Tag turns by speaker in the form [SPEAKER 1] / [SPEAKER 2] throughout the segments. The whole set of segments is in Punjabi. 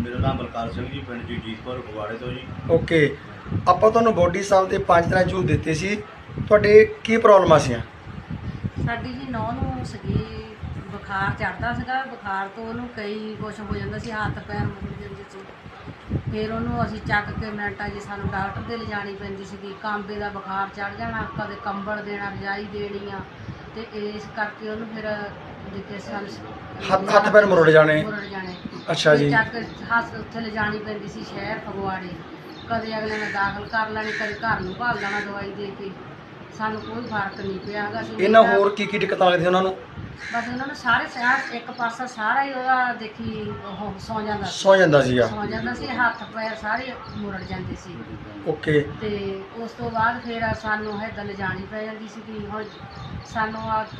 [SPEAKER 1] ਮੇਰਾ ਨਾਮ ਬਲਕਾਰ ਸਿੰਘ ਜੀ, ਪਿੰਡ ਜਗਜੀਤਪੁਰ ਫਗਵਾੜੇ ਤੋਂ ਜੀ।
[SPEAKER 2] ਓਕੇ, ਆਪਾਂ ਤੁਹਾਨੂੰ ਬੋਡੀ ਸਾਹਿਬ ਦੇ 5 ਤਰ੍ਹਾਂ ਜੂਸ ਦਿੱਤੇ ਸੀ। ਤੁਹਾਡੇ ਕੀ ਪ੍ਰੋਬਲਮਾਂ ਸੀ?
[SPEAKER 3] ਸਾਡੀ ਜੀ ਨੌਂ ਨੂੰ ਸੀਗੀ ਬੁਖਾਰ ਚੜ੍ਹਦਾ ਸੀਗਾ। ਬੁਖਾਰ ਤੋਂ ਉਹਨੂੰ ਕਈ ਕੁਛ ਹੋ ਜਾਂਦਾ ਸੀ, ਹੱਥ ਪੈਰ ਮੁੜ ਜਾਂਦੇ ਸੀ। ਫਿਰ ਉਹਨੂੰ ਅਸੀਂ ਚੱਕ ਕੇ ਮਿੰਟਾਂ ਜੀ ਸਾਨੂੰ ਡਾਕਟਰ ਦੇ ਲਿਜਾਣੀ ਪੈਂਦੀ ਸੀਗੀ। ਕਾਂਬੇ ਦਾ ਬੁਖਾਰ ਚੜ੍ਹ ਜਾਣਾ, ਕਦੇ ਕੰਬਲ ਦੇਣਾ, ਰਜਾਈ ਦੇਣੀ ਆ, ਤੇ ਇਸ ਕਰਕੇ ਉਹਨੂੰ ਫਿਰ ਜਿੱਥੇ ਸਾਨੂੰ
[SPEAKER 2] ਹੱਥ ਪੈਰ ਮੁਰੜ ਜਾਣੇ। ਅੱਛਾ ਜੀ।
[SPEAKER 3] ਚੱਕ ਹੱਥ ਉੱਥੇ ਲਿਜਾਣੀ ਪੈਂਦੀ ਸੀ ਸ਼ਹਿਰ ਫਗਵਾੜੇ। ਕਦੇ ਅਗਲੇ ਨੇ ਦਾਖਲ ਕਰ ਲੈਣੀ, ਕਦੇ ਘਰ ਨੂੰ ਭਾਲ ਲੈਣਾ ਦਵਾਈ ਦੇ ਕੇ। ਸਾਨੂੰ ਕੋਈ ਫਰਕ ਨਹੀਂ ਪਿਆ ਹੈਗਾ।
[SPEAKER 2] ਇਹਨਾਂ ਹੋਰ ਕੀ ਦਿੱਕਤਾਂ ਲੱਗਦੀਆਂ ਉਹਨਾਂ ਨੂੰ?
[SPEAKER 3] ਬਸ ਉਹਨਾਂ ਨੂੰ ਸਾਰੇ ਸਿਰ ਇੱਕ ਪਾਸਾ ਸਾਰਾ ਹੀ ਉਹਦਾ ਦੇਖੀ ਉਹ ਸੌ ਜਾਂਦਾ
[SPEAKER 2] ਸੀਗਾ।
[SPEAKER 3] ਸੌ ਜਾਂਦਾ ਸੀ, ਹੱਥ ਪੈਰ ਸਾਰੇ ਮੁਰੜ ਜਾਂਦੇ ਸੀ।
[SPEAKER 2] ਓਕੇ।
[SPEAKER 3] ਤੇ ਉਸ ਤੋਂ ਬਾਅਦ ਫਿਰ ਸਾਨੂੰ ਹੈਦਲ ਲਿਜਾਣੀ ਪੈ ਜਾਂਦੀ ਸੀ ਕਿ ਹੁਣ ਸਾਨੂੰ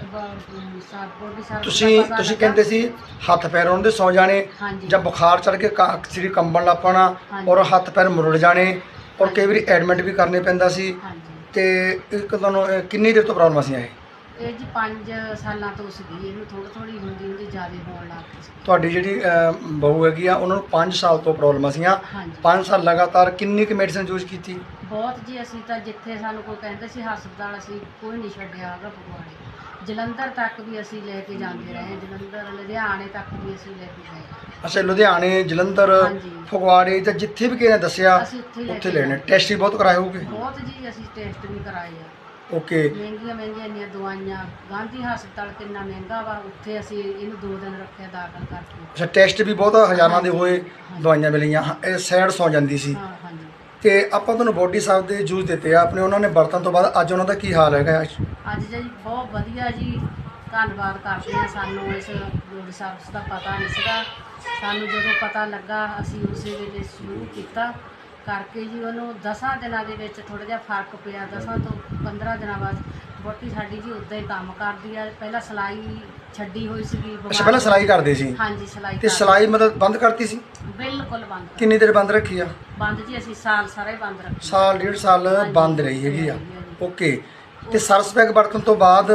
[SPEAKER 2] ਤੁਸੀਂ ਕਹਿੰਦੇ ਸੀ ਹੱਥ ਪੈਰ ਉਹਨਾਂ ਦੇ ਸੌ ਜਾਣੇ, ਜਾਂ ਬੁਖਾਰ ਚੜ ਕੇ ਸਰੀਰ ਕੰਬਣ ਲੱਗ ਪੈਣਾ, ਔਰ ਹੱਥ ਪੈਰ ਮੁਰੜ ਜਾਣੇ, ਔਰ ਕਈ ਵਾਰੀ ਐਡਮਿਟ ਵੀ ਕਰਨੇ ਪੈਂਦਾ ਸੀ। ਤੇ ਇੱਕ ਤੁਹਾਨੂੰ ਕਿੰਨੀ ਦੇਰ ਤੋਂ ਪ੍ਰੋਬਲਮ ਸੀ
[SPEAKER 3] ਇਹ ਜੀ 5 ਸਾਲਾਂ ਤੋਂ ਸੀਗੀ। ਇਹਨੂੰ ਥੋੜੀ ਹੁੰਦੀ ਜ਼ਿਆਦਾ ਹੋਣ ਲੱਗ ਪਈ ਸੀ।
[SPEAKER 2] ਤੁਹਾਡੀ ਜਿਹੜੀ ਬਹੂ ਹੈਗੀ ਆ, ਉਹਨਾਂ ਨੂੰ 5 ਸਾਲ ਤੋਂ ਪ੍ਰੋਬਲਮ ਸੀਆਂ। 5 ਸਾਲ ਲਗਾਤਾਰ ਕਿੰਨੀ ਕੁ ਮੈਡੀਸਨ ਯੂਜ਼ ਕੀਤੀ?
[SPEAKER 3] ਬਹੁਤ ਜੀ। ਅਸੀਂ ਤਾਂ ਜਿੱਥੇ ਸਾਨੂੰ ਕੋਈ ਕਹਿੰਦੇ ਸੀ ਹਸਪਤਾਲ, ਅਸੀਂ ਕੋਈ ਨਹੀਂ ਛੱਡਿਆ ਹੈਗਾ। ਫਗਵਾੜੇ ਜਲੰਧਰ ਤੱਕ ਵੀ ਅਸੀਂ ਲੈ ਕੇ ਜਾਂਦੇ ਰਹੇ, ਜਲੰਧਰ ਲੁਧਿਆਣੇ ਤੱਕ ਵੀ ਅਸੀਂ ਲੈ ਕੇ ਗਏ।
[SPEAKER 2] ਅੱਛਾ, ਲੁਧਿਆਣੇ, ਜਲੰਧਰ, ਫਗਵਾੜੇ ਜਾਂ ਜਿੱਥੇ ਵੀ ਕਿਸੇ ਨੇ ਦੱਸਿਆ ਉੱਥੇ ਲੈਣੇ। ਟੈਸਟ ਵੀ ਬਹੁਤ ਕਰਾਏ ਹੋਗੇ?
[SPEAKER 3] ਬਹੁਤ ਜੀ, ਅਸੀਂ ਟੈਸਟ ਵੀ ਕਰਾਏ ਆ।
[SPEAKER 2] ਓਕੇ।
[SPEAKER 3] ਮਹਿੰਗੀਆਂ ਇੰਨੀਆਂ ਦਵਾਈਆਂ। ਗਾਂਧੀ ਹਸਪਤਾਲ ਕਿੰਨਾ ਮਹਿੰਗਾ ਵਾ, ਉੱਥੇ ਅਸੀਂ ਇਹਨੂੰ 2 ਦਿਨ ਰੱਖਿਆ ਦਾਖਲ ਕਰਕੇ।
[SPEAKER 2] ਅੱਛਾ, ਟੈਸਟ ਵੀ ਬਹੁਤ ਹਜ਼ਾਰਾਂ ਦੇ ਹੋਏ, ਦਵਾਈਆਂ ਮਿਲੀਆਂ। ਇਹ ਸਾਈਡ ਸੌ ਜਾਂਦੀ ਸੀ।
[SPEAKER 3] ਹਾਂਜੀ।
[SPEAKER 2] ਤੇ ਆਪਾਂ ਤੁਹਾਨੂੰ ਬੋਡੀ ਸਾਹਿਬ ਦੇ ਜੂਸ ਦਿੱਤੇ ਆ ਆਪਣੇ, ਉਹਨਾਂ ਨੇ ਵਰਤਣ ਤੋਂ ਬਾਅਦ ਅੱਜ ਉਹਨਾਂ ਦਾ ਕੀ ਹਾਲ ਹੈਗਾ?
[SPEAKER 3] ਅੱਜ ਜੀ ਬਹੁਤ ਵਧੀਆ ਜੀ। ਧੰਨਵਾਦ ਕਰਦੇ ਹਾਂ। ਸਾਨੂੰ ਇਸ ਬੋਡੀ ਸਾਹਿਬ ਦਾ ਪਤਾ ਨਹੀਂ ਸੀਗਾ। ਸਾਨੂੰ ਜਦੋਂ ਪਤਾ ਲੱਗਾ ਅਸੀਂ ਉਸੇ ਵੇਲੇ ਸ਼ੁਰੂ ਕੀਤਾ ਕਰਕੇ ਜੀ। ਉਹਨੂੰ 10 ਦਿਨਾਂ ਦੇ ਵਿੱਚ ਥੋੜ੍ਹਾ ਜਿਹਾ ਫਰਕ ਪਿਆ। 10 ਤੋਂ 15 ਦਿਨਾਂ ਬਾਅਦ ਵਹੁਟੀ ਸਾਡੀ ਜੀ ਉੱਦਾਂ ਹੀ ਕੰਮ ਕਰਦੀ ਆ। ਪਹਿਲਾਂ ਸਿਲਾਈ ਛੱਡੀ ਹੋਈ ਸੀਗੀ।
[SPEAKER 2] ਅੱਛਾ, ਪਹਿਲਾਂ ਸਿਲਾਈ ਕਰਦੇ ਸੀ?
[SPEAKER 3] ਹਾਂਜੀ, ਸਿਲਾਈ।
[SPEAKER 2] ਤੇ ਸਿਲਾਈ ਮਤਲਬ ਬੰਦ ਕਰਤੀ ਸੀ?
[SPEAKER 3] ਬਿਲਕੁਲ ਬੰਦ।
[SPEAKER 2] ਕਿੰਨੀ ਦੇਰ ਬੰਦ ਰੱਖੀ ਆ?
[SPEAKER 3] ਬੰਦ ਜੀ ਅਸੀਂ ਸਾਲ ਸਾਰਾ ਹੀ ਬੰਦ ਰੱਖਿਆ।
[SPEAKER 2] ਸਾਲ 1.5 ਸਾਲ ਬੰਦ ਰਹੀ ਹੈਗੀ ਆ। ਓਕੇ। ਤੇ ਸਰਸ ਪੈਕ ਵਰਤਣ ਤੋਂ ਬਾਅਦ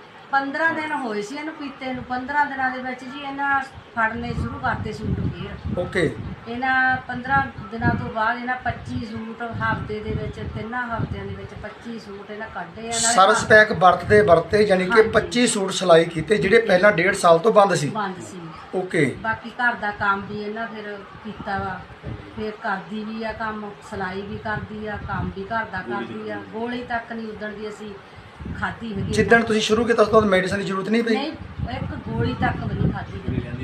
[SPEAKER 3] 15 ਦਿਨ ਹੋਏ ਸੀ ਇਹਨੂੰ ਪੀਤੇ ਨੂੰ। 15 ਦਿਨਾਂ ਦੇ ਵਿੱਚ ਜੀ ਇਹਨਾਂ ਫੜਨੇ ਸ਼ੁਰੂ ਕਰਤੇ ਸੂਟ ਫੇਰ।
[SPEAKER 2] ਓਕੇ।
[SPEAKER 3] ਇਹਨਾਂ 15 ਦਿਨਾਂ ਤੋਂ ਬਾਅਦ ਇਹਨਾਂ 25 ਸੂਟ ਹਫ਼ਤੇ ਦੇ ਵਿੱਚ, 3 ਹਫ਼ਤਿਆਂ ਦੇ ਵਿੱਚ 25 ਸੂਟ ਇਹਨਾਂ ਕੱਢੇ ਆ।
[SPEAKER 2] ਸਰਸ ਪੈਕ ਵਰਤੇ ਯਾਨੀ ਕਿ 25 ਸੂਟ ਸਿਲਾਈ ਕੀਤੇ ਜਿਹੜੇ ਪਹਿਲਾਂ 1.5 ਸਾਲ ਤੋਂ ਬੰਦ ਸੀ? ਓਕੇ।
[SPEAKER 3] ਬਾਕੀ ਘਰ ਦਾ ਕੰਮ ਵੀ ਇਹਨਾਂ ਫਿਰ ਕੀਤਾ ਵਾ। ਫਿਰ ਕਰਦੀ ਵੀ ਆ ਕੰਮ, ਸਿਲਾਈ ਵੀ ਕਰਦੀ ਆ, ਕੰਮ ਵੀ ਘਰ ਦਾ ਕਰਦੀ ਆ। ਗੋਲੀ ਤੱਕ ਨਹੀਂ ਉਦਣ ਦੀ ਅਸੀਂ ਖਾਧੀ ਹੈਗੀ।
[SPEAKER 2] ਜਿੱਦਣ ਤੁਸੀਂ ਸ਼ੁਰੂ ਕੀਤਾ ਉਸ ਤੋਂ ਬਾਅਦ ਮੈਡੀਸਨ ਦੀ ਜ਼ਰੂਰਤ ਨਹੀਂ ਪਈ?
[SPEAKER 3] ਨਹੀਂ, ਇੱਕ ਗੋਲੀ ਤੱਕ ਵੀ ਨਹੀਂ ਖਾਧੀ।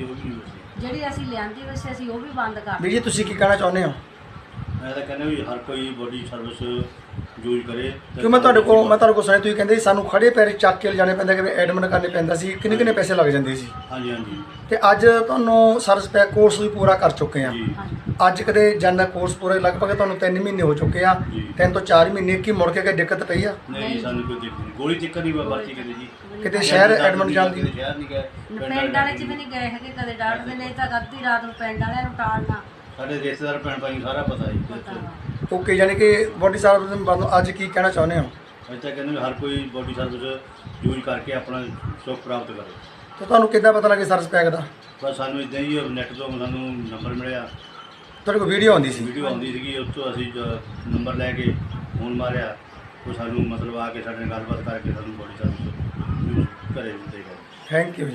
[SPEAKER 3] ਜਿਹੜੀ ਅਸੀਂ ਲਿਆਂਦੀ ਹੋਈ ਸੀ ਅਸੀਂ ਉਹ ਵੀ ਬੰਦ ਕਰ ਦਿੱਤੀ।
[SPEAKER 2] ਵੀਰ ਜੀ, ਤੁਸੀਂ ਕੀ ਕਹਿਣਾ ਚਾਹੁੰਦੇ ਹੋ?
[SPEAKER 1] ਮੈਂ ਤਾਂ ਕਹਿੰਦਾ ਵੀ ਹਰ ਕੋਈ ਬੋਡੀ ਸਰਵਿਸ ਯੂਜ਼ ਕਰੇ।
[SPEAKER 2] ਕਿਉਂ ਮੈਂ ਤੁਹਾਡੇ ਕੋਲ ਸੁਣਿਆ ਤੁਸੀਂ ਕਹਿੰਦੇ ਸੀ ਸਾਨੂੰ ਖੜੇ ਪੈਰ ਚੱਕ ਕੇ ਲਿਜਾਣੇ ਪੈਂਦਾ, ਕਿ ਐਡਮਿਟ ਕਰਨੇ ਪੈਂਦਾ ਸੀ, ਕਿੰਨੇ ਪੈਸੇ ਲੱਗ ਜਾਂਦੇ ਸੀ?
[SPEAKER 1] ਹਾਂਜੀ।
[SPEAKER 2] ਤੇ ਅੱਜ ਤੁਹਾਨੂੰ ਸਰਸ ਪੈਕ ਕੋਰਸ ਵੀ ਪੂਰਾ ਕਰ ਚੁੱਕੇ ਆ। ਅੱਜ ਕਦੇ ਜਾਂਦਾ ਕੋਰਸ ਪੂਰਾ ਲਗਭਗ ਤੁਹਾਨੂੰ 3 ਮਹੀਨੇ ਹੋ ਚੁੱਕੇ ਆ। 3 ਤੋਂ 4 ਮਹੀਨੇ ਕੀ ਮੁੜ ਕੇ ਕੋਈ ਦਿੱਕਤ ਪਈ ਆ?
[SPEAKER 1] ਨਹੀਂ, ਸਾਨੂੰ ਕੋਈ ਦਿੱਕਤ ਨਹੀਂ। ਗੋਲੀ ਚੱਕਰ ਨਹੀਂ ਵਰਤੀ ਕਦੇ ਜੀ।
[SPEAKER 2] ਕਿਤੇ ਸ਼ਹਿਰ ਐਡਮਿਟ ਜਾਂਦੀ?
[SPEAKER 1] ਸ਼ਹਿਰ ਨਹੀਂ ਗਏ,
[SPEAKER 3] ਪਿੰਡ ਵਾਲੇ ਚ ਵੀ ਨਹੀਂ ਗਏ ਹੈਗੇ ਕਦੇ। ਡਾਕਟਰ ਦੇ ਨੇ ਤਾਂ ਅੱਧੀ ਰਾਤ ਨੂੰ ਪਿੰਡ ਵਾਲਿਆਂ ਨੂੰ ਟਾਲਣਾ।
[SPEAKER 1] ਸਾਡੇ ਰਿਸ਼ਤੇਦਾਰ ਭੈਣ ਭਾਈ ਸਾਰਾ ਪਤਾ ਹੈ।
[SPEAKER 2] ਓਕੇ, ਯਾਨੀ ਕਿ ਬੋਡੀ ਸਰਵਿਸ ਅੱਜ ਕੀ ਕਹਿਣਾ ਚਾਹੁੰਦੇ ਹੋ?
[SPEAKER 1] ਅੱਜ ਤਾਂ ਕਹਿੰਦੇ ਹਰ ਕੋਈ ਬੋਡੀ ਸਰਵਿਸ ਯੂਜ਼ ਕਰਕੇ ਆਪਣਾ ਸੁੱਖ ਪ੍ਰਾਪਤ ਕਰੇ।
[SPEAKER 2] ਤਾਂ ਤੁਹਾਨੂੰ ਕਿੱਦਾਂ ਪਤਾ ਲੱਗੇ ਸਰਸ ਪੈਕ ਦਾ?
[SPEAKER 1] ਬਸ ਸਾਨੂੰ ਇੱਦਾਂ ਹੀ ਨੈੱਟ ਤੋਂ ਸਾਨੂੰ ਨੰਬਰ ਮਿਲਿਆ।
[SPEAKER 2] ਤੁਹਾਡੇ ਕੋਲ ਵੀਡੀਓ ਆਉਂਦੀ ਸੀ?
[SPEAKER 1] ਵੀਡੀਓ ਆਉਂਦੀ ਸੀਗੀ, ਉਸ ਤੋਂ ਅਸੀਂ ਨੰਬਰ ਲੈ ਕੇ ਫੋਨ ਮਾਰਿਆ। ਉਹ ਸਾਨੂੰ ਮਤਲਬ ਆ ਕੇ ਸਾਡੇ ਨਾਲ ਗੱਲਬਾਤ ਕਰਕੇ ਸਾਨੂੰ ਬੋਡੀ ਸਰਵਿਸ ਯੂਜ਼ ਘਰੇ ਦਿੱਤੇ ਗਏ।
[SPEAKER 2] Thank you.